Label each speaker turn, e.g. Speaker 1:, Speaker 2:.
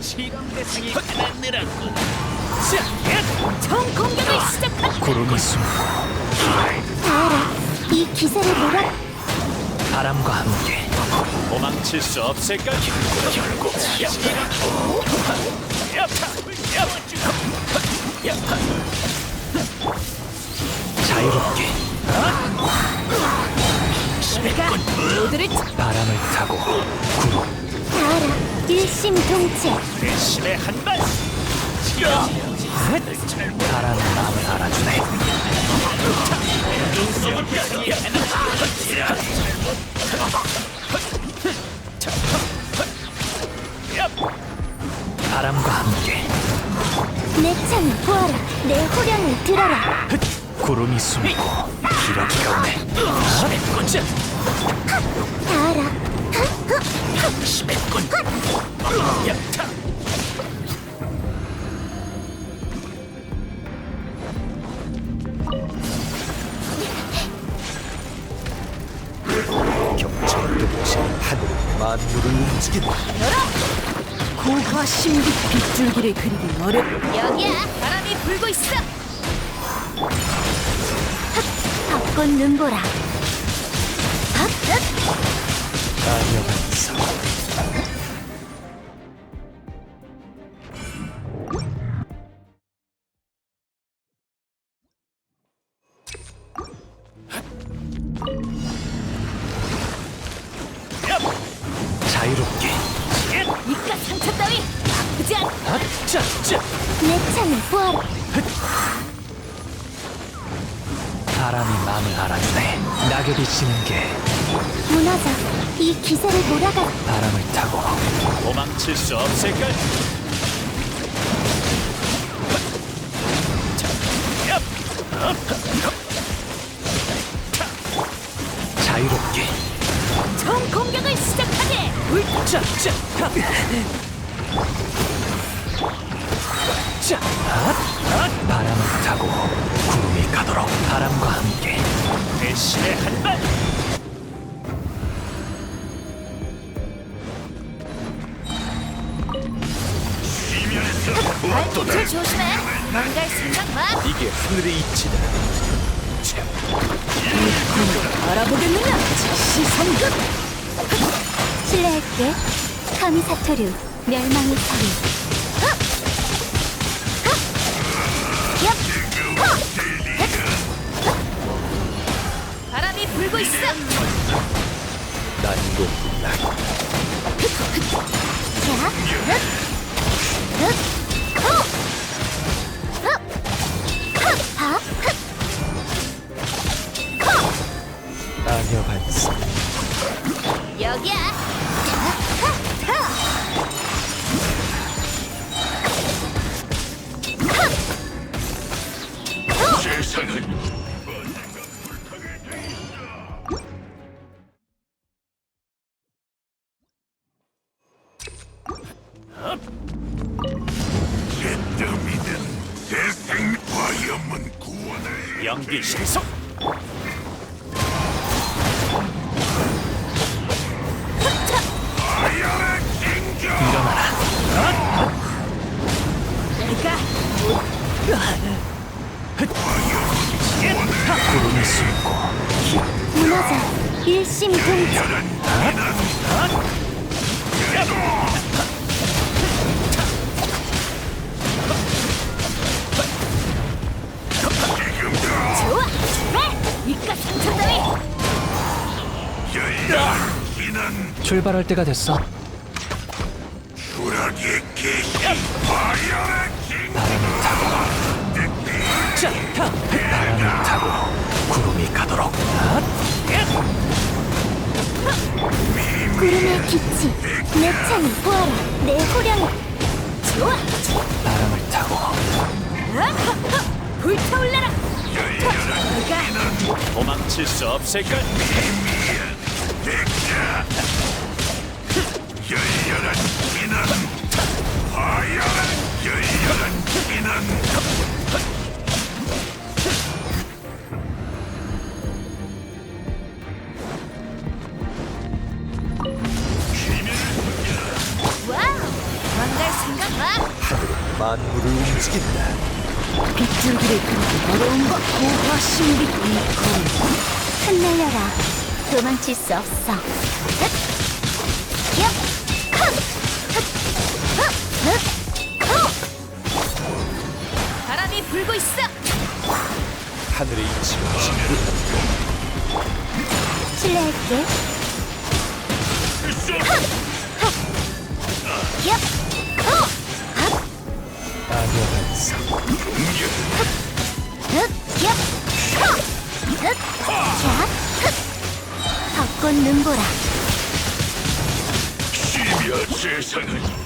Speaker 1: 실험 대상이 하나 늘었군.
Speaker 2: 총 공격을 시작한
Speaker 3: 구름이 숨고
Speaker 2: 다하라 이 기세를 몰아
Speaker 3: 바람과 함께
Speaker 1: 도망칠 수 없을까? 결국
Speaker 3: 자유롭게
Speaker 2: 내가 모두를
Speaker 3: 바람을 타고 구름
Speaker 2: 다하라 일심동체
Speaker 1: 대신의 한발.
Speaker 3: 바람의 마음을 알아주네. 바람과 함께
Speaker 2: 내 창을 보아라 내 호령을 들어라
Speaker 3: 구름이 숨고 기러기가 오네.
Speaker 2: 다하라
Speaker 3: 경찰 뜻이 하늘은 만물을 움직인다.
Speaker 2: 고화 신비 빗줄기를 그리기 어렵 여기야 바람이 불고 있어 벚꽃 눈보라
Speaker 3: 아녀반사 자유롭게
Speaker 2: 이깟 상처 따위 아프지 않
Speaker 3: 아짜짜
Speaker 2: 내 창을 보아라
Speaker 3: 바람이 마음을 알아주네. 낙엽이 지는 게
Speaker 2: 무너져 이 기세를 몰아가
Speaker 3: 바람을 타고
Speaker 1: 도망칠 수 없을까?
Speaker 3: 자유롭게
Speaker 2: 총 공격을 시작하게
Speaker 3: 짜짜 짜 바람을 타고 구름이 가도록 바람과 함께
Speaker 1: 대신의 한발.
Speaker 2: 발밑을 조심해 망갈 생각 마
Speaker 1: 이게 하늘의 이치다.
Speaker 2: 알아보겠느냐 시성급 실례할게 카미사토류 멸망의 소리 바람이 불고 있어
Speaker 3: 난공불락 아녀반사
Speaker 2: 여기야
Speaker 1: 연기 신속.
Speaker 3: 일어나라.
Speaker 2: 내가
Speaker 3: 구름이 숨고
Speaker 2: 무너져 일심동체 좋아 이깟 상처 따위
Speaker 3: 출발할 때가 됐어. 바람을 타고 구름이 가도록
Speaker 2: 구름의 빛이 내 창을 보아라 내 호령을 좋아
Speaker 3: 바람을 타고
Speaker 2: 불타올라라 내가
Speaker 1: 도망칠 수 없을까?
Speaker 2: 와우 망갈 생각
Speaker 3: 만물을 움직인다.
Speaker 2: 빗줄기를 그리기 어려운 것 고화 신비 이 검
Speaker 4: 흩날려라. 도망칠 수 없어. 흑! 얍! 컷!
Speaker 2: 바람이 불고 있어.
Speaker 3: 하늘의 이치가 진군한다.
Speaker 4: 실례할게. 얍!
Speaker 3: 안녕하세요.
Speaker 4: 흑! 얍! 흑! 자! 흑! 벚꽃 눈보라.
Speaker 1: 시비야 세상은